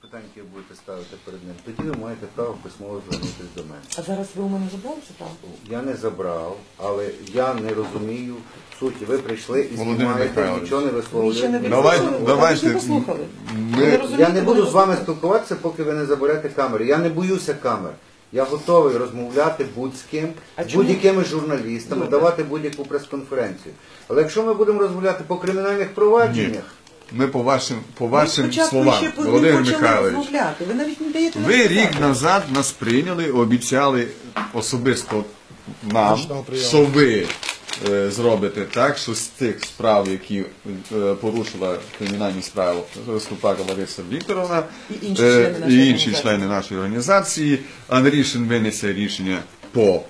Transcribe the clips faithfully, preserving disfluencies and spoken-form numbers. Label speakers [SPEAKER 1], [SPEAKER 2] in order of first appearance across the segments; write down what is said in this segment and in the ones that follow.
[SPEAKER 1] питань, які ви будете ставити перед ним, тоді ви маєте право письмово звернутися до мене.
[SPEAKER 2] А зараз ви у мене забрали це право?
[SPEAKER 1] Я не забрав, але я не розумію суті. Ви прийшли і
[SPEAKER 3] Володимир
[SPEAKER 1] знімаєте,
[SPEAKER 3] Михайлович.
[SPEAKER 1] нічого не
[SPEAKER 2] Ви ще не
[SPEAKER 1] висловлюєте.
[SPEAKER 3] Давайте,
[SPEAKER 2] послухали?
[SPEAKER 3] давайте.
[SPEAKER 2] Ви не послухали.
[SPEAKER 3] Ми-
[SPEAKER 2] Ви не розумієте,
[SPEAKER 1] Я не буду
[SPEAKER 2] ви
[SPEAKER 1] з вами
[SPEAKER 2] послухали.
[SPEAKER 1] спілкуватися, поки ви не заберете камери. Я не боюся камер. Я готовий розмовляти будь з ким,
[SPEAKER 2] А
[SPEAKER 1] з
[SPEAKER 2] чому?
[SPEAKER 1] будь-якими журналістами,
[SPEAKER 2] Добре.
[SPEAKER 1] давати будь-яку прес-конференцію. Але якщо ми будемо розмовляти по кримінальних провадженнях,
[SPEAKER 3] Ми по вашим, по
[SPEAKER 2] Ви
[SPEAKER 3] вашим
[SPEAKER 2] спочатку
[SPEAKER 3] словам,
[SPEAKER 2] ще по- не
[SPEAKER 3] Володимир
[SPEAKER 2] почали
[SPEAKER 3] Михайлович,
[SPEAKER 2] розмовляти. Ви навіть не даєте нам
[SPEAKER 3] ви
[SPEAKER 2] сказати.
[SPEAKER 3] рік назад нас прийняли, обіцяли особисто нам,
[SPEAKER 4] Точного прийому.
[SPEAKER 3] що ви е, зробите так, що з тих справ, які е, порушила кримінальні справи Ступака Лариса Вікторовна
[SPEAKER 2] І інші
[SPEAKER 3] е,
[SPEAKER 2] члени нашої
[SPEAKER 3] і інші
[SPEAKER 2] організації.
[SPEAKER 3] члени нашої організації, Андрішин винесе рішення по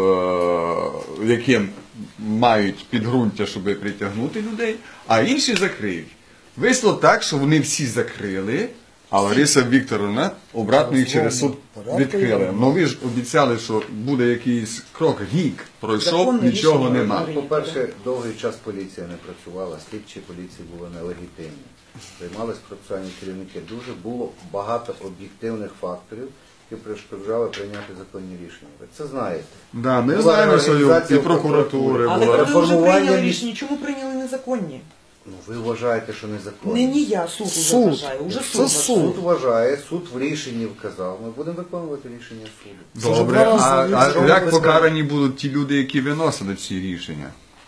[SPEAKER 3] е, яким мають підґрунтя, щоб притягнути людей, а інші закриють. Вийшло так, що вони всі закрили, а Лариса Вікторовна обратно їх через суд відкрили. Ну ви ж обіцяли, що буде якийсь крок, рік пройшов,
[SPEAKER 2] Законне
[SPEAKER 3] нічого
[SPEAKER 2] рішення.
[SPEAKER 3] нема.
[SPEAKER 1] по-перше, довгий час поліція не працювала, слідчі поліції були нелегітимні. Займались процесуальні керівники. Дуже було багато об'єктивних факторів, які перешкоджали прийняти законні рішення. Ви це знаєте.
[SPEAKER 3] Да, ми
[SPEAKER 1] Була
[SPEAKER 3] знаємо, що
[SPEAKER 1] реорганізація
[SPEAKER 3] і прокуратури
[SPEAKER 2] Але
[SPEAKER 3] була.
[SPEAKER 2] ви вже
[SPEAKER 1] реформування
[SPEAKER 2] прийняли
[SPEAKER 1] ріш-
[SPEAKER 2] рішення. Чому прийняли незаконні?
[SPEAKER 1] Ну, ви вважаєте, що незаконно.
[SPEAKER 2] Не, не я, суд уже
[SPEAKER 4] Суд.
[SPEAKER 2] вважає. Уже
[SPEAKER 4] Це
[SPEAKER 2] суд вважає.
[SPEAKER 4] суд.
[SPEAKER 1] Суд вважає, суд в рішенні вказав. Ми будемо виконувати рішення суду.
[SPEAKER 4] Це
[SPEAKER 3] Добре,
[SPEAKER 4] вже два
[SPEAKER 3] а,
[SPEAKER 4] рази
[SPEAKER 3] а
[SPEAKER 4] відзову
[SPEAKER 3] як
[SPEAKER 4] без
[SPEAKER 3] покарані будуть ті люди, які виносили ці рішення?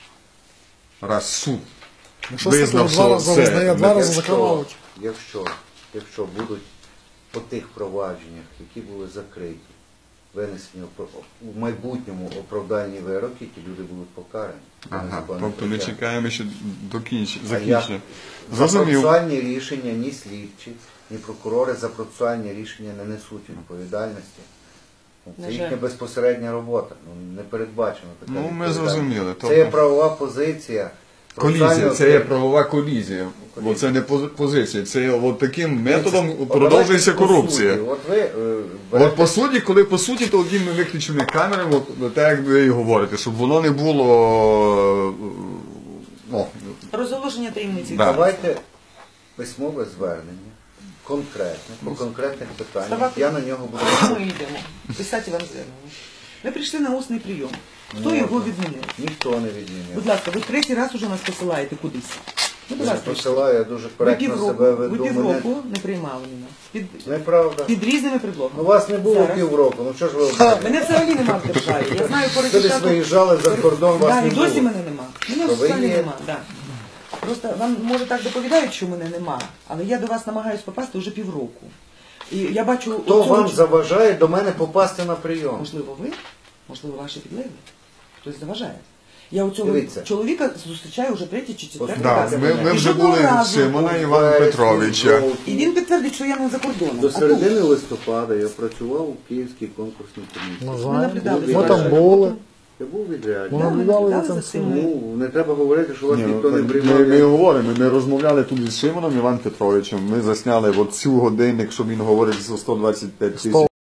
[SPEAKER 3] Раз суд
[SPEAKER 4] Якщо
[SPEAKER 3] визнав,
[SPEAKER 4] суд два
[SPEAKER 3] що
[SPEAKER 4] рази
[SPEAKER 3] це
[SPEAKER 4] визнає, два рази
[SPEAKER 1] Якщо,
[SPEAKER 4] закривають.
[SPEAKER 1] якщо, якщо будуть по тих провадженнях, які були закриті, винесені опро- у майбутньому оправдальні вироки, ті люди будуть покарані. Це
[SPEAKER 3] Ага,
[SPEAKER 1] незаконне
[SPEAKER 3] тобто ми
[SPEAKER 1] притягнення.
[SPEAKER 3] чекаємо ще до кінч...
[SPEAKER 1] А
[SPEAKER 3] закінчення.
[SPEAKER 1] За
[SPEAKER 3] Зрозумів.
[SPEAKER 1] процесуальні рішення ні слідчі, ні прокурори за процесуальні рішення не несуть відповідальності. Ну,
[SPEAKER 2] На
[SPEAKER 1] Це
[SPEAKER 2] жаль.
[SPEAKER 1] їхня безпосередня робота. Ну, не передбачено така
[SPEAKER 3] Ну, ми
[SPEAKER 1] відповідальність.
[SPEAKER 3] зрозуміли.
[SPEAKER 1] Це є
[SPEAKER 3] Тобто-
[SPEAKER 1] правова позиція.
[SPEAKER 3] Колізія,
[SPEAKER 1] процесуального
[SPEAKER 3] це є
[SPEAKER 1] керівника.
[SPEAKER 3] правова колізія. Бо це не пози- позиція, це є от таким методом
[SPEAKER 1] От
[SPEAKER 3] продовжується
[SPEAKER 1] давайте по
[SPEAKER 3] корупція.
[SPEAKER 1] суті. От ви е,
[SPEAKER 3] От
[SPEAKER 1] берете-
[SPEAKER 3] по суті, коли по суті, то тоді ми виключимо камери, от, так як ви і говорите, щоб воно не було. е, О,
[SPEAKER 2] Розголошення таємниці.
[SPEAKER 3] Да.
[SPEAKER 1] давайте письмове звернення, конкретне, по конкретних питаннях.
[SPEAKER 2] Ставати-
[SPEAKER 1] Я на нього буду.
[SPEAKER 2] Ми йдемо. Писати вам звернення. Ви прийшли на усний прийом. Хто
[SPEAKER 1] Можна.
[SPEAKER 2] його відмінив?
[SPEAKER 1] Ніхто не відмінив.
[SPEAKER 2] Будь ласка, ви третій раз уже нас посилаєте кудись. Ну, будь
[SPEAKER 1] Я не
[SPEAKER 2] ласка,
[SPEAKER 1] посилаю, я дуже
[SPEAKER 2] ви
[SPEAKER 1] коректно
[SPEAKER 2] півроку,
[SPEAKER 1] себе
[SPEAKER 2] ви
[SPEAKER 1] веду. Мене...
[SPEAKER 2] півроку не приймали мене. Під,
[SPEAKER 1] Неправда.
[SPEAKER 2] під різними предлогами.
[SPEAKER 1] Ну вас не було
[SPEAKER 2] Зараз.
[SPEAKER 1] півроку, ну що ж ви обманюєте?
[SPEAKER 2] Мене взагалі нема в державі. Я знаю по
[SPEAKER 1] Ви десь
[SPEAKER 2] результату.
[SPEAKER 1] виїжджали за кордон, вас
[SPEAKER 2] Да,
[SPEAKER 1] не
[SPEAKER 2] і досі
[SPEAKER 1] було.
[SPEAKER 2] мене нема. Мене
[SPEAKER 1] То ви
[SPEAKER 2] взагалі
[SPEAKER 1] є?
[SPEAKER 2] нема. Да. Просто вам може так доповідають, що мене нема, але я до вас намагаюсь попасти вже півроку. І я бачу,
[SPEAKER 1] Хто
[SPEAKER 2] оцього
[SPEAKER 1] вам
[SPEAKER 2] ч-
[SPEAKER 1] заважає до мене попасти на прийом?
[SPEAKER 2] можливо, ви, можливо, ваші підлеглі. Хтось заважає. Я у цього
[SPEAKER 1] Дивіться.
[SPEAKER 2] чоловіка зустрічаю вже третій чи четвертий
[SPEAKER 3] да,
[SPEAKER 2] раз.
[SPEAKER 3] ми, ми
[SPEAKER 2] І
[SPEAKER 3] вже
[SPEAKER 2] жодного
[SPEAKER 3] були
[SPEAKER 2] разу.
[SPEAKER 3] Симона
[SPEAKER 1] У
[SPEAKER 3] Івана
[SPEAKER 1] вересні,
[SPEAKER 3] Петровича.
[SPEAKER 1] жовтні,
[SPEAKER 2] І він підтвердить, що я не за кордоном.
[SPEAKER 1] До
[SPEAKER 2] а тут.
[SPEAKER 1] середини листопада я працював у Київській конкурсній комісії.
[SPEAKER 4] Ми
[SPEAKER 2] Ми
[SPEAKER 4] знаємо.
[SPEAKER 2] наблюдали
[SPEAKER 4] Ми
[SPEAKER 2] за
[SPEAKER 4] там
[SPEAKER 2] вашою
[SPEAKER 4] були.
[SPEAKER 2] роботою.
[SPEAKER 1] Я був відряджений.
[SPEAKER 4] Ми
[SPEAKER 2] Да, ми
[SPEAKER 4] наблюдали за
[SPEAKER 2] наблюдали
[SPEAKER 4] цим
[SPEAKER 2] за цим.
[SPEAKER 4] всім.
[SPEAKER 1] Ну, не треба говорити, що вас
[SPEAKER 3] Ні,
[SPEAKER 1] ніхто
[SPEAKER 3] ну,
[SPEAKER 1] не
[SPEAKER 3] ми,
[SPEAKER 1] приймав.
[SPEAKER 3] ми говоримо, ми розмовляли тут із Шимоном Іваном Петровичем, ми засняли от цю годинник, що він говорить за сто двадцять п'ять тисяч.